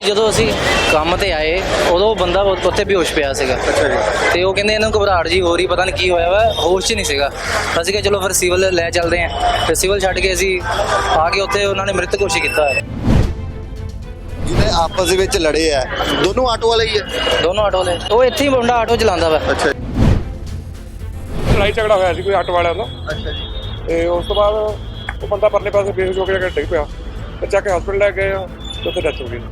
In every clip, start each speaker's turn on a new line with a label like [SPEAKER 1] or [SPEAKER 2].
[SPEAKER 1] ਜਦੋਂ ਅਸੀਂ ਕੰਮ ਤੇ ਆਏ ਉਦੋਂ ਬੰਦਾ ਉੱਥੇ ਬੇਹੋਸ਼ ਪਿਆ ਸੀਗਾ।
[SPEAKER 2] ਅੱਛਾ ਜੀ।
[SPEAKER 1] ਤੇ ਉਹ ਕਹਿੰਦੇ ਇਹਨੂੰ ਘਬਰਾਹਟ ਜੀ ਹੋ ਰਹੀ, ਪਤਾ ਨਹੀਂ ਕੀ ਹੋਇਆ ਵਾ, ਹੋਸ਼ 'ਚ ਨਹੀਂ ਸੀਗਾ। ਅਸੀਂ ਕਿਹਾ ਚਲੋ ਫਿਰ ਸਿਵਲ ਲੈ ਚੱਲਦੇ ਹਾਂ। ਤੇ ਸਿਵਲ ਛੱਡ ਕੇ ਅਸੀਂ ਆ ਕੇ ਉੱਥੇ ਉਹਨਾਂ ਨੇ ਮ੍ਰਿਤ ਘੋਸ਼ਿਤ ਕੀਤਾ ਹੈ।
[SPEAKER 2] ਜਿਹਨੇ ਆਪਸ ਦੇ ਵਿੱਚ ਲੜੇ ਆ, ਦੋਨੋਂ ਆਟੋ ਵਾਲੇ ਹੀ ਆ?
[SPEAKER 1] ਦੋਨੋਂ ਆਟੋ ਵਾਲੇ। ਉਹ ਇੱਥੇ ਹੀ ਮੁੰਡਾ ਆਟੋ ਚਲਾਉਂਦਾ ਵਾ।
[SPEAKER 2] ਅੱਛਾ
[SPEAKER 3] ਲੜਾਈ ਝਗੜਾ ਹੋਇਆ ਸੀ ਕੋਈ ਆਟੋ ਵਾਲਿਆਂ ਦਾ।
[SPEAKER 2] ਅੱਛਾ ਜੀ।
[SPEAKER 3] ਤੇ ਉਸ ਤੋਂ ਬਾਅਦ ਉਹ ਬੰਦਾ ਪਰਲੇ ਪਾਸੇ ਬੇਹੋਸ਼ ਹੋ ਕੇ ਡਿੱਗ ਪਿਆ ਤੇ ਚੱਕ ਕੇ ਹਸਪੀਟਲ ਲੈ ਗਏ ਤੇ ਉੱਥੇ ਡੈਥ ਹੋ ਗਈ।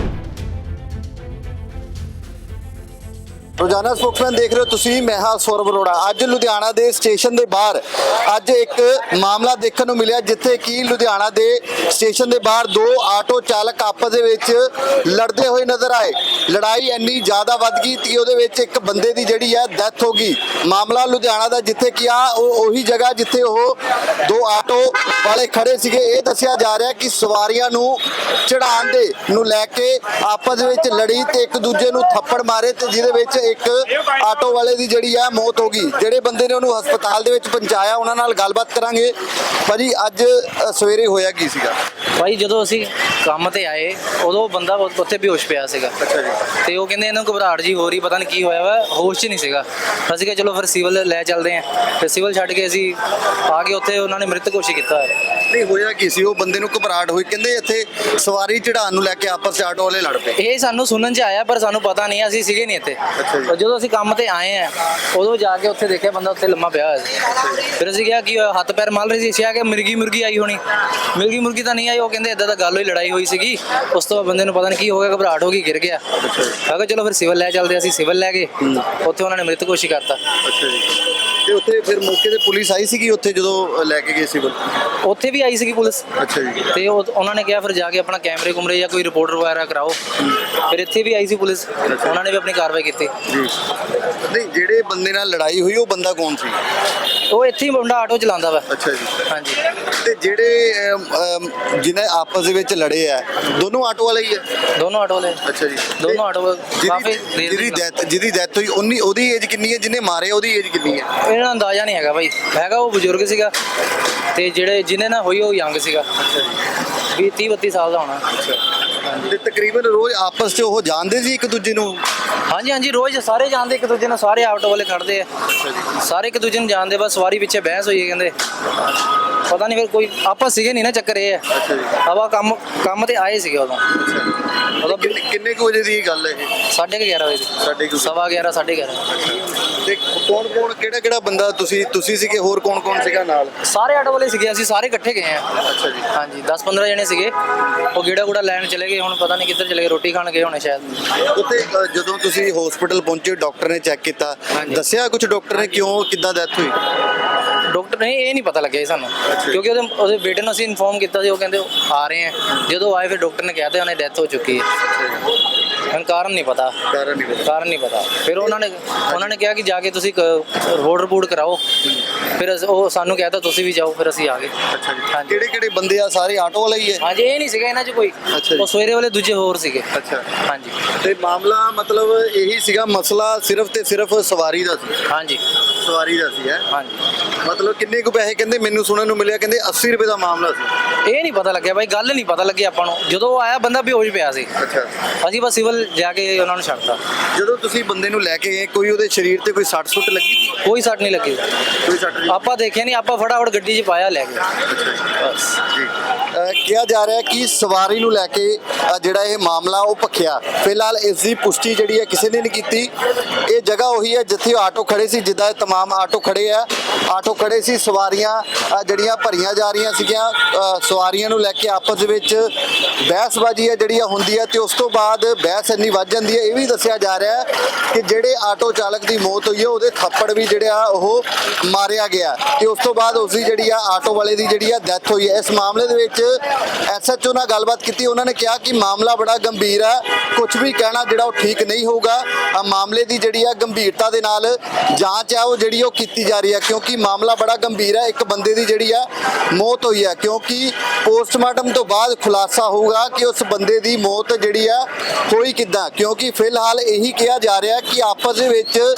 [SPEAKER 2] ਰੋਜ਼ਾਨਾ ਸਪੋਕਸਮੈਨ ਦੇਖ ਰਹੇ ਹੋ ਤੁਸੀਂ, ਮੈਂ ਹਾਂ ਸੌਰਵ ਅਰੋੜਾ। ਅੱਜ ਲੁਧਿਆਣਾ ਦੇ ਸਟੇਸ਼ਨ ਦੇ ਬਾਹਰ ਅੱਜ ਇੱਕ ਮਾਮਲਾ ਦੇਖਣ ਨੂੰ ਮਿਲਿਆ, ਜਿੱਥੇ ਕਿ ਲੁਧਿਆਣਾ ਦੇ ਸਟੇਸ਼ਨ ਦੇ ਬਾਹਰ ਦੋ ਆਟੋ ਚਾਲਕ ਆਪਸ ਦੇ ਵਿੱਚ ਲੜਦੇ ਹੋਏ ਨਜ਼ਰ ਆਏ। ਲੜਾਈ ਇੰਨੀ ਜ਼ਿਆਦਾ ਵੱਧ ਗਈ ਕਿ ਉਹਦੇ ਵਿੱਚ ਇੱਕ ਬੰਦੇ ਦੀ ਜਿਹੜੀ ਹੈ ਡੈਥ ਹੋ ਗਈ। ਮਾਮਲਾ ਲੁਧਿਆਣਾ ਦਾ, ਜਿੱਥੇ ਕਿ ਉਹੀ ਜਗ੍ਹਾ ਜਿੱਥੇ ਉਹ ਦੋ ਆਟੋ ਵਾਲੇ ਖੜੇ ਸੀਗੇ। ਇਹ ਦੱਸਿਆ ਜਾ ਰਿਹਾ ਕਿ ਸਵਾਰੀਆਂ ਨੂੰ ਚੜਾਉਣ ਦੇ ਨੂੰ ਲੈ ਕੇ ਆਪਸ ਵਿੱਚ ਲੜੀ ਤੇ ਇੱਕ ਦੂਜੇ ਨੂੰ ਥੱਪੜ ਮਾਰੇ, ਤੇ ਜਿਹਦੇ ਵਿੱਚ ਇੱਕ ਆਟੋ ਵਾਲੇ ਦੀ ਜਿਹੜੀ ਆ ਮੌਤ ਹੋ ਗਈ। ਜਿਹੜੇ ਬੰਦੇ ਨੇ ਉਹਨੂੰ ਹਸਪਤਾਲ ਦੇ ਵਿੱਚ ਪਹੁੰਚਾਇਆ, ਉਹਨਾਂ ਨਾਲ ਗੱਲਬਾਤ ਕਰਾਂਗੇ। ਭਾਜੀ ਅੱਜ ਸਵੇਰੇ ਹੋਇਆ ਕੀ ਸੀਗਾ?
[SPEAKER 1] ਭਾਈ ਜਦੋਂ ਅਸੀਂ ਕੰਮ ਤੇ ਆਏ ਉਦੋਂ ਬੰਦਾ ਉੱਥੇ ਬੇਹੋਸ਼ ਪਿਆ ਸੀਗਾ।
[SPEAKER 2] ਅੱਛਾ ਜੀ।
[SPEAKER 1] ਤੇ ਉਹ ਕਹਿੰਦੇ ਇਹਨੂੰ ਘਬਰਾਹਟ ਜੀ ਹੋ ਰਹੀ, ਪਤਾ ਨਹੀਂ ਕੀ ਹੋਇਆ ਵਾ, ਹੋਸ਼ 'ਚ ਨਹੀਂ ਸੀਗਾ। ਅਸੀਂ ਕਿਹਾ ਚਲੋ ਫਿਰ ਸਿਵਲ ਲੈ ਚੱਲਦੇ ਹਾਂ। ਤੇ ਸਿਵਲ ਛੱਡ ਕੇ ਅਸੀਂ ਆ ਕੇ ਉੱਥੇ ਉਹਨਾਂ ਨੇ ਮ੍ਰਿਤ ਘੋਸ਼ਿਤ ਕੀਤਾ ਹੈ।
[SPEAKER 2] ਨਹੀਂ ਹੋਇਆ ਕੀ ਸੀ? ਉਹ ਬੰਦੇ ਨੂੰ ਘਬਰਾਹਟ ਹੋਈ, ਕਹਿੰਦੇ ਇੱਥੇ ਸਵਾਰੀ ਚੜਾਉਣ ਨੂੰ ਲੈ ਕੇ ਆਪਸ 'ਚ ਆਟੋ ਵਾਲੇ ਲੜ ਪਏ।
[SPEAKER 1] ਇਹ ਸਾਨੂੰ ਸੁਣਨ 'ਚ ਆਇਆ, ਪਰ ਸਾਨੂੰ ਪਤਾ ਨਹੀਂ, ਅਸੀਂ ਸੀਗੇ ਨਹੀਂ ਇੱਥੇ।
[SPEAKER 2] ਅੱਛਾ ਜੀ।
[SPEAKER 1] ਜਦੋਂ ਅਸੀਂ ਕੰਮ ਤੇ ਆਏ ਆ ਉਦੋਂ ਜਾ ਕੇ ਉੱਥੇ ਦੇਖਿਆ ਬੰਦਾ ਉੱਥੇ ਲੰਮਾ ਪਿਆ ਹੋਇਆ ਸੀ। ਫਿਰ ਅਸੀਂ ਕਿਹਾ ਕਿ ਹੱਥ ਪੈਰ ਮਲ ਰਹੀ ਸੀ। ਅਸੀਂ ਕਿ ਮੁਰਗੀ ਆਈ ਹੋਣੀ। ਮੁਰਗੀ ਤਾਂ ਨਹੀਂ ਆਈ। ਉਹ ਕਹਿੰਦੇ ਇਦਾਂ ਦਾ ਗੱਲ ਹੋਈ, ਲੜਾਈ ਹੋਈ ਸੀਗੀ। ਉਸ ਤੋਂ ਬਾਅਦ ਬੰਦੇ ਨੂੰ ਪਤਾ ਨਹੀਂ ਕੀ ਹੋ ਗਿਆ, ਘਬਰਾਹਟ ਹੋ ਗਈ, ਗਿਰ ਗਿਆ। ਮੈਂ ਕਿਹਾ ਚਲੋ ਫਿਰ ਸਿਵਲ ਲੈ ਚੱਲਦੇ। ਅਸੀਂ ਸਿਵਲ ਲੈ ਗਏ, ਉੱਥੇ ਉਹਨਾਂ ਨੇ ਮ੍ਰਿਤ ਘੋਸ਼ਿਤ ਕਰਤਾ।
[SPEAKER 2] ਅੱਛਾ ਜੀ। ਤੇ ਉੱਥੇ ਫਿਰ ਮੌਕੇ ਤੇ ਪੁਲਿਸ ਆਈ ਸੀਗੀ ਉੱਥੇ ਜਦੋਂ ਲੈ ਕੇ ਗਏ ਸਿਵਲ?
[SPEAKER 1] ਉੱਥੇ ਵੀ ਆਈ ਸੀਗੀ ਪੁਲਿਸ।
[SPEAKER 2] ਅੱਛਾ ਜੀ।
[SPEAKER 1] ਤੇ ਉਹਨਾਂ ਨੇ ਕਿਹਾ ਫਿਰ ਜਾ ਕੇ ਆਪਣਾ ਕੈਮਰੇ ਕੁਮਰੇ ਜਾਂ ਕੋਈ ਰਿਪੋਰਟ ਵਗੈਰਾ ਕਰਾਓ। ਫਿਰ ਇੱਥੇ ਵੀ ਆਈ ਸੀ ਪੁਲਿਸ, ਉਹਨਾਂ ਨੇ ਵੀ ਆਪਣੀ ਕਾਰਵਾਈ ਕੀਤੀ।
[SPEAKER 2] ਜੀ। ਨਹੀਂ, ਜਿਹੜੇ ਬੰਦੇ ਨਾਲ ਲੜਾਈ ਹੋਈ ਉਹ ਬੰਦਾ ਕੌਣ ਸੀ?
[SPEAKER 1] ਉਹ ਇੱਥੇ ਹੀ ਮੁੰਡਾ ਆਟੋ ਚਲਾਉਂਦਾ ਵਾ।
[SPEAKER 2] ਅੱਛਾ ਜੀ।
[SPEAKER 1] ਹਾਂਜੀ।
[SPEAKER 2] ਤੇ ਜਿਹੜੇ ਜਿਹਨੇ ਆਪਸ ਦੇ ਵਿੱਚ ਲੜੇ ਆ, ਦੋਨੋਂ ਆਟੋ ਵਾਲੇ ਹੀ ਆ?
[SPEAKER 1] ਦੋਨੋਂ ਆਟੋ ਵਾਲੇ।
[SPEAKER 2] ਅੱਛਾ ਜੀ।
[SPEAKER 1] ਦੋਨੋਂ ਆਟੋ ਕਾਫੀ
[SPEAKER 2] ਜਿਹਦੀ ਡੈਥ ਹੋਈ ਉਹਦੀ ਏਜ ਕਿੰਨੀ ਹੈ? ਜਿਹਨੇ ਮਾਰੇ ਉਹਦੀ ਏਜ ਕਿੰਨੀ ਹੈ?
[SPEAKER 1] ਇਹਨਾਂ ਦਾ ਅੰਦਾਜ਼ਾ ਨਹੀਂ ਹੈਗਾ ਭਾਈ। ਹੈਗਾ ਉਹ ਬਜ਼ੁਰਗ ਸੀਗਾ, ਤੇ ਜਿਹਨੇ ਨਾਲ ਹੋਈ ਉਹ ਯੰਗ ਸੀਗਾ। 30-32 ਸਾਲ ਦਾ ਹੋਣਾ।
[SPEAKER 2] ਤੇ ਤਕਰੀਬਨ ਰੋਜ਼ ਆਪਸ 'ਚ ਉਹ ਜਾਣਦੇ ਸੀ ਇੱਕ ਦੂਜੇ ਨੂੰ?
[SPEAKER 1] ਹਾਂਜੀ, ਰੋਜ਼ ਸਾਰੇ ਜਾਣਦੇ ਇੱਕ ਦੂਜੇ ਨੂੰ। ਸਾਰੇ ਆਟੋ ਵਾਲੇ ਖੜਦੇ ਆ, ਸਾਰੇ ਇੱਕ ਦੂਜੇ ਨੂੰ ਜਾਣਦੇ। ਬਸ ਸਵਾਰੀ ਪਿੱਛੇ ਬਹਿਸ ਹੋਈ ਹੈ ਕਹਿੰਦੇ, ਪਤਾ ਨਹੀਂ ਫਿਰ ਕੋਈ ਆਪਸ ਸੀਗੇ ਨਹੀਂ ਨਾ। ਚੱਕਰ ਇਹ ਹੈ ਆਪਾਂ ਕੰਮ ਤੇ ਆਏ ਸੀਗੇ ਉਦੋਂ।
[SPEAKER 2] ਕਿੰਨੇ ਕੁ ਵਜੇ ਦੀ ਗੱਲ ਹੈ ਇਹ?
[SPEAKER 1] 11:30 ਵਜੇ ਦੀ। 11:15 11:30।
[SPEAKER 2] ਤੇ ਕੌਣ ਕਿਹੜਾ ਬੰਦਾ? ਤੁਸੀਂ ਸੀਗੇ? ਹੋਰ ਕੌਣ ਸੀਗਾ ਨਾਲ?
[SPEAKER 1] ਸਾਰੇ ਆਟੋ ਵਾਲੇ ਸੀਗੇ, ਅਸੀਂ ਸਾਰੇ ਇਕੱਠੇ ਗਏ ਆ।
[SPEAKER 2] ਅੱਛਾ ਜੀ।
[SPEAKER 1] ਹਾਂਜੀ, 10-15 ਜਣੇ ਸੀਗੇ। ਉਹ ਗੇੜਾ ਲੈਣ ਚਲੇ ਗਏ, ਹੁਣ ਪਤਾ ਨਹੀਂ ਕਿੱਧਰ ਚਲੇ ਗਏ, ਰੋਟੀ ਖਾਣ ਗਏ ਹੋਣੇ ਸ਼ਾਇਦ।
[SPEAKER 2] ਉੱਥੇ ਜਦੋਂ ਤੁਸੀਂ ਹਸਪੀਟਲ ਪਹੁੰਚੇ, ਡਾਕਟਰ ਨੇ ਚੈੱਕ ਕੀਤਾ, ਦੱਸਿਆ ਕੁਝ ਡਾਕਟਰ ਨੇ ਕਿੱਦਾਂ ਡੈਥ ਹੋਈ?
[SPEAKER 1] ਡਾਕਟਰ ਨੇ ਇਹ ਨਹੀਂ ਪਤਾ ਲੱਗਿਆ ਸਾਨੂੰ, ਕਿਉਂਕਿ ਉਹਦੇ ਬੇਟੇ ਨੂੰ ਅਸੀਂ ਇਨਫੋਰਮ ਕੀਤਾ ਸੀ। ਉਹ ਕਹਿੰਦੇ ਆ ਰਹੇ ਆ। ਜਦੋਂ ਆਏ ਫਿਰ ਡਾਕਟਰ ਨੇ ਕਿਹਾ ਤੇ ਉਹਨੇ ਡੈਥ ਹੋ ਚੁੱਕੀ ਹੈ। ਹੁਣ ਕਾਰਨ ਨਹੀਂ ਪਤਾ। ਫਿਰ ਉਹਨਾਂ ਨੇ ਕਿਹਾ ਕਿ ਜਾ ਕੇ ਤੁਸੀਂ ਰਿਪੋਰਟ ਕਰਾਓ। ਫਿਰ ਉਹ ਸਾਨੂੰ ਕਹਿਤਾ ਤੁਸੀਂ ਵੀ ਜਾਓ। ਫਿਰ ਅਸੀਂ ਆ ਗਏ। ਹਾਂਜੀ।
[SPEAKER 2] ਕਿਹੜੇ ਬੰਦੇ ਆ? ਸਾਰੇ ਆਟੋ ਵਾਲੇ ਹੀ ਹੈ?
[SPEAKER 1] ਹਾਂਜੀ, ਇਹ ਨਹੀਂ ਸੀਗਾ ਇਹਨਾਂ 'ਚ ਕੋਈ। ਉਹ ਸਵੇਰੇ ਵਾਲੇ ਦੂਜੇ ਹੋਰ ਸੀਗੇ।
[SPEAKER 2] ਅੱਛਾ।
[SPEAKER 1] ਹਾਂਜੀ।
[SPEAKER 2] ਤੇ ਮਾਮਲਾ ਮਤਲਬ ਇਹੀ ਸੀਗਾ, ਮਸਲਾ ਸਿਰਫ ਤੇ ਸਿਰਫ ਸਵਾਰੀ ਦਾ ਸੀ?
[SPEAKER 1] ਹਾਂਜੀ,
[SPEAKER 2] ਸਵਾਰੀ ਦਾ ਸੀ। ਹੈ?
[SPEAKER 1] ਹਾਂਜੀ।
[SPEAKER 2] ਮਤਲਬ ਕਿੰਨੇ ਕੁ ਪੈਸੇ? ਕਹਿੰਦੇ ਮੈਨੂੰ ਸੁਣਨ ਨੂੰ ਮਿਲਿਆ ਕਹਿੰਦੇ 80 ਰੁਪਏ ਦਾ ਮਾਮਲਾ ਸੀ।
[SPEAKER 1] ਇਹ ਨਹੀਂ ਪਤਾ ਲੱਗਿਆ ਬਾਈ, ਗੱਲ ਨਹੀਂ ਪਤਾ ਲੱਗੀ ਆਪਾਂ ਨੂੰ। ਜਦੋਂ ਉਹ ਆਇਆ ਬੰਦਾ ਬੇਹੋਸ਼ ਪਿਆ ਸੀ।
[SPEAKER 2] ਅੱਛਾ।
[SPEAKER 1] ਅਸੀਂ ਬਸ ਸਿਵਲ ਜਾ ਕੇ ਉਹਨਾਂ ਨੂੰ ਛੱਡਤਾ।
[SPEAKER 2] ਜਦੋਂ ਤੁਸੀਂ ਬੰਦੇ ਨੂੰ ਲੈ ਕੇ ਗਏ, ਕੋਈ ਉਹਦੇ ਸਰੀਰ ਤੇ ਕੋਈ ਸੱਟ ਸੁੱਟ ਲੱਗੀ ਸੀ?
[SPEAKER 1] ਕੋਈ ਸੱਟ ਨਹੀਂ ਲੱਗੀ।
[SPEAKER 2] ਕੋਈ ਸੱਟ ਨਹੀਂ?
[SPEAKER 1] ਆਪਾਂ ਦੇਖਿਆ ਨਹੀਂ, ਆਪਾਂ ਫਟਾਫਟ ਗੱਡੀ 'ਚ ਪਾਇਆ, ਲੈ ਗਏ। ਬਸ
[SPEAKER 2] ਜੀ। ਕਿਹਾ ਜਾ ਰਿਹਾ ਕਿ ਸਵਾਰੀ ਨੂੰ ਲੈ ਕੇ ਜਿਹੜਾ ਇਹ ਮਾਮਲਾ ਉਹ ਭਖਿਆ। ਫਿਲਹਾਲ ਇਸ ਦੀ ਪੁਸ਼ਟੀ ਜਿਹੜੀ ਹੈ ਕਿਸੇ ਨੇ ਨਹੀਂ ਕੀਤੀ। ਇਹ ਜਗ੍ਹਾ ਉਹੀ ਹੈ ਜਿੱਥੇ ਆਟੋ ਖੜੇ ਸੀ, ਜਿੱਦਾਂ ਤਮਾਮ ਆਟੋ ਖੜੇ ਆ। ਆਟੋ ਖੜੇ ਸੀ, ਸਵਾਰੀਆਂ ਜਿਹੜੀਆਂ ਭਰੀਆਂ ਜਾ ਰਹੀਆਂ ਸੀਗੀਆਂ। ਸਵਾਰੀਆਂ ਨੂੰ ਲੈ ਕੇ ਆਪਸ ਵਿੱਚ ਬਹਿਸਬਾਜ਼ੀ ਹੈ ਜਿਹੜੀ ਹੁੰਦੀ ਹੈ, ਤੇ ਉਸ ਤੋਂ ਬਾਅਦ ਬਹਿਸ ਇੰਨੀ ਵੱਧ ਜਾਂਦੀ ਹੈ। ਇਹ ਵੀ ਦੱਸਿਆ ਜਾ ਰਿਹਾ ਕਿ ਜਿਹੜੇ ਆਟੋ ਚਾਲਕ ਦੀ ਮੌਤ ਹੋਈ ਹੈ, ਉਹਦੇ ਥੱਪੜ ਵੀ ਜਿਹੜੇ ਆ ਉਹ ਮਾਰਿਆ ਗਿਆ, ਤੇ ਉਸ ਤੋਂ ਬਾਅਦ ਉਸਦੀ ਜਿਹੜੀ ਆ ਆਟੋ ਵਾਲੇ ਦੀ ਜਿਹੜੀ ਆ ਡੈਥ ਹੋਈ ਹੈ। ਇਸ ਮਾਮਲੇ ਦੇ ਵਿੱਚ SHO ਨਾਲ ਗੱਲਬਾਤ ਕੀਤੀ। ਉਹਨਾਂ ਨੇ ਕਿਹਾ ਕਿ ਮਾਮਲਾ ਬੜਾ ਗੰਭੀਰ ਹੈ, ਕੁਝ ਵੀ ਕਹਿਣਾ ਜਿਹੜਾ ਉਹ ਠੀਕ ਨਹੀਂ ਹੋਊਗਾ। ਮਾਮਲੇ ਦੀ ਜਿਹੜੀ ਆ ਗੰਭੀਰਤਾ ਦੇ ਨਾਲ ਜਾਂਚ ਆ ਉਹ ਜਿਹੜੀ ਉਹ ਕੀਤੀ ਜਾ ਰਹੀ ਹੈ, ਕਿਉਂਕਿ ਮਾਮਲਾ ਬੜਾ ਗੰਭੀਰ ਹੈ। ਇੱਕ ਬੰਦੇ ਦੀ ਜਿਹੜੀ ਆ ਮੌਤ ਹੋਈ ਹੈ, ਕਿਉਂਕਿ ਪੋਸਟਮਾਰਟਮ ਤੋਂ ਬਾਅਦ ਖੁਲਾਸਾ ਹੋਊਗਾ ਕਿ ਉਸ ਬੰਦੇ ਦੀ ਮੌਤ ਜਿਹੜੀ ਆ ਹੋਈ ਕਿੱਦਾਂ। ਕਿਉਂਕਿ ਫਿਲਹਾਲ ਇਹੀ ਕਿਹਾ ਜਾ ਰਿਹਾ ਕਿ ਆਪਸ ਦੇ ਵਿੱਚ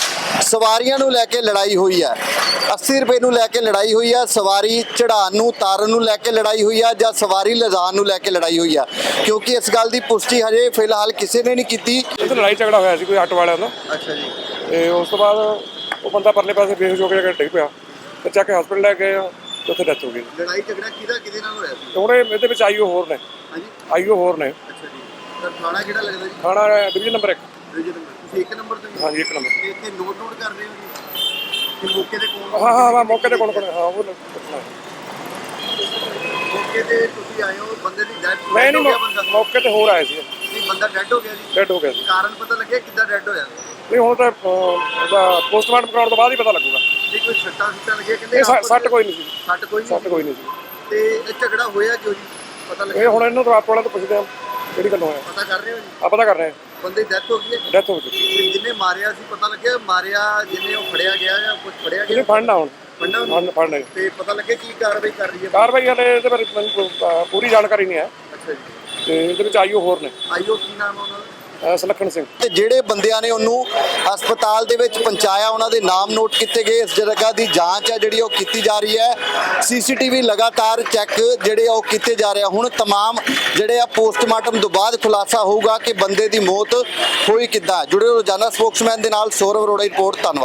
[SPEAKER 2] ਸਵਾਰੀਆਂ ਨੂੰ ਲੈ ਕੇ ਲੜਾਈ ਹੋਈ ਹੈ। 80 ਰੁਪਏ ਨੂੰ ਲੈ ਕੇ ਲੜਾਈ ਹੋਈ ਹੈ, ਸਵਾਰੀ ਚੜਾਉਣ ਨੂੰ ਤਾਰਨ ਨੂੰ ਲੈ ਕੇ ਲੜਾਈ ਹੋਈ ਹੈ ਜਾਂ ਸਵਾਰੀ ਲਿਜਾਣ ਨੂੰ ਲੈ ਕੇ ਲੜਾਈ ਹੋਈ ਹੈ, ਕਿਉਂਕਿ ਇਸ ਗੱਲ ਦੀ ਪੁਸ਼ਟੀ ਹਜੇ ਫਿਲਹਾਲ ਕਿਸੇ ਨੇ ਨਹੀਂ ਕੀਤੀ।
[SPEAKER 3] ਇੱਥੇ ਲੜਾਈ ਝਗੜਾ ਹੋਇਆ ਸੀ ਕੋਈ ਆਟੋ ਵਾਲਿਆਂ ਦਾ।
[SPEAKER 2] ਅੱਛਾ ਜੀ।
[SPEAKER 3] ਤੇ ਉਸ ਤੋਂ ਬਾਅਦ ਉਹ ਬੰਦਾ ਪਰਲੇ ਪਾਸੇ ਬੇਹੋਸ਼ ਹੋ ਕੇ ਜਾ ਕੇ ਡਿੱਗ ਪਿਆ ਤੇ ਚੱਕ ਕੇ ਹਸਪੀਟਲ ਲੈ ਗਏ ਆ ਤੇ ਉੱਥੇ ਡੈਥ ਹੋ ਗਈ।
[SPEAKER 2] ਲੜਾਈ ਝਗੜਾ ਕਿਹਦੇ ਨਾਲ ਹੋਇਆ ਸੀ?
[SPEAKER 3] ਤੇ ਹੁਣ ਇਹਦੇ ਵਿੱਚ ਆਈਓ ਹੋਰ ਨੇ।
[SPEAKER 2] ਹਾਂਜੀ।
[SPEAKER 3] ਆਈਓ ਹੋਰ ਨੇ।
[SPEAKER 2] ਅੱਛਾ ਜੀ। ਤਾਂ ਥਾਣਾ ਕਿਹੜਾ ਲੱਗਦਾ ਜੀ?
[SPEAKER 3] ਥਾਣਾ ਡਿਵੀਜ਼ਨ ਨੰਬਰ 1।
[SPEAKER 2] ਤੁਸੀਂ 1 ਨੰਬਰ ਤੇ?
[SPEAKER 3] ਹਾਂਜੀ 1 ਨੰਬਰ।
[SPEAKER 2] ਤੇ ਇੱਥੇ ਨੋਟ ਕਰ ਰਹੇ ਹੋ ਜੀ ਕਿ ਮੌਕੇ ਤੇ ਕੌਣ?
[SPEAKER 3] ਹਾਂ ਮੌਕੇ ਤੇ ਕੌਣ ਹਾਂ ਉਹ ਪੁੱਛਣਾ।
[SPEAKER 2] ਮੌਕੇ ਤੇ ਤੁਸੀਂ ਆਏ ਹੋ, ਬੰਦੇ ਦੀ ਡੈਥ
[SPEAKER 3] ਮੈਂ
[SPEAKER 2] ਹੋ ਗਿਆ
[SPEAKER 3] ਨਹੀਂ
[SPEAKER 2] ਬੰਦਾ?
[SPEAKER 3] ਮੌਕੇ ਤੇ ਹੋਰ ਆਏ ਸੀ।
[SPEAKER 2] ਨਹੀਂ, ਬੰਦਾ ਡੈਡ ਹੋ ਗਿਆ ਜੀ?
[SPEAKER 3] ਡੈਡ ਹੋ ਗਿਆ ਸੀ।
[SPEAKER 2] ਕਾਰਨ ਪਤਾ ਲੱਗਿਆ ਕਿੱਦਾਂ ਡੈਡ ਹੋਇਆ?
[SPEAKER 3] ਨਹੀਂ ਹੁਣ ਤਾਂ ਉਹਦਾ ਪੋਸਟਮਾਰਟਮ ਕਰਾਉਣ ਤੋਂ ਬਾਅਦ ਹੀ ਪਤਾ ਲੱਗੂਗਾ।
[SPEAKER 2] ਨਹੀਂ ਕੋਈ ਸੱਟਾਂ ਲੱਗਿਆ ਕਹਿੰਦੇ?
[SPEAKER 3] ਇਹ ਸੱਟ ਕੋਈ ਨਹੀਂ ਸੀ।
[SPEAKER 2] ਸੱਟ ਕੋਈ ਨਹੀਂ?
[SPEAKER 3] ਸੱਟ ਕੋਈ ਨਹੀਂ ਸੀ।
[SPEAKER 2] ਤੇ ਇਹ ਝਗੜਾ ਹੋਇਆ ਕਿਉਂ ਜੀ? ਪਤਾ
[SPEAKER 3] ਇਹ
[SPEAKER 2] ਲੱਗਿਆ?
[SPEAKER 3] ਹੁਣ ਇਹਨਾਂ ਤੋਂ ਆਟੋ ਵਾਲਿਆਂ ਤੋਂ ਪੁੱਛਦੇ ਆ ਕਿਹੜੀ ਗੱਲੋਂ ਹੋਇਆ।
[SPEAKER 2] ਪਤਾ ਕਰ ਰਹੇ ਹੋ ਜੀ?
[SPEAKER 3] ਆ ਪਤਾ ਕਰ ਰਹੇ ਆ।
[SPEAKER 2] ਬੰਦੇ ਦੀ ਡੈਥ ਹੋ ਗਈ ਹੈ?
[SPEAKER 3] ਡੈਥ ਹੋ ਚੁੱਕੀ।
[SPEAKER 2] ਤੇ ਜਿਹਨੇ ਮਾਰਿਆ ਸੀ ਪਤਾ ਲੱਗਿਆ ਮਾਰਿਆ ਜਿਹਨੇ ਉਹ ਫੜਿਆ ਗਿਆ ਜਾਂ ਕੁਝ ਫੜਿਆ
[SPEAKER 3] ਇਹਨੇ
[SPEAKER 2] ਗਿਆ?
[SPEAKER 3] ਫੜਨਾ ਹੁਣ।
[SPEAKER 2] ਫੜਨਾ ਉਹਨੂੰ?
[SPEAKER 3] ਫੜਨਾ।
[SPEAKER 2] ਤੇ ਪਤਾ ਲੱਗਿਆ ਕੀ ਕਾਰਵਾਈ ਕਰ ਰਹੀ ਹੈ?
[SPEAKER 3] ਕਾਰਵਾਈ ਹਲੇ ਇਹਦੇ ਬਾਰੇ ਮੈਨੂੰ ਪੂਰੀ ਜਾਣਕਾਰੀ ਨਹੀਂ ਹੈ।
[SPEAKER 2] ਅੱਛਾ ਜੀ।
[SPEAKER 3] ਤੇ ਇਹਦੇ ਵਿੱਚ ਆਈਓ ਹੋਰ ਨੇ।
[SPEAKER 2] ਆਈਓ ਕੀ ਨਾਮ ਹੈ ਉਹਨਾਂ ਦਾ?
[SPEAKER 3] ਸੁਲੱਖਣ ਸਿੰਘ।
[SPEAKER 2] ਤੇ ਜਿਹੜੇ ਬੰਦਿਆਂ ਨੇ ਉਹਨੂੰ ਹਸਪਤਾਲ ਦੇ ਵਿੱਚ ਪਹੁੰਚਾਇਆ ਉਹਨਾਂ ਦੇ ਨਾਮ ਨੋਟ ਕੀਤੇ ਗਏ। ਇਸ ਜਗ੍ਹਾ ਦੀ ਜਾਂਚ ਹੈ ਜਿਹੜੀ ਉਹ ਕੀਤੀ ਜਾ ਰਹੀ ਹੈ। ਸੀਸੀਟੀਵੀ ਲਗਾਤਾਰ ਚੈੱਕ ਜਿਹੜੇ ਉਹ ਕੀਤੇ ਜਾ ਰਹੇ ਆ। ਹੁਣ तमाम ਜਿਹੜੇ ਆ ਪੋਸਟਮਾਰਟਮ ਤੋਂ ਬਾਅਦ ਖੁਲਾਸਾ ਹੋਊਗਾ ਕਿ ਬੰਦੇ ਦੀ ਮੌਤ ਹੋਈ ਕਿੱਦਾਂ। ਜੁੜੇ ਰੋਜ਼ਾਨਾ ਸਪੋਕਸਮੈਨ ਦੇ ਨਾਲ ਸੌਰਵ ਅਰੋੜਾ ਦੀ ਰਿਪੋਰਟ। ਧੰਨਵਾਦ।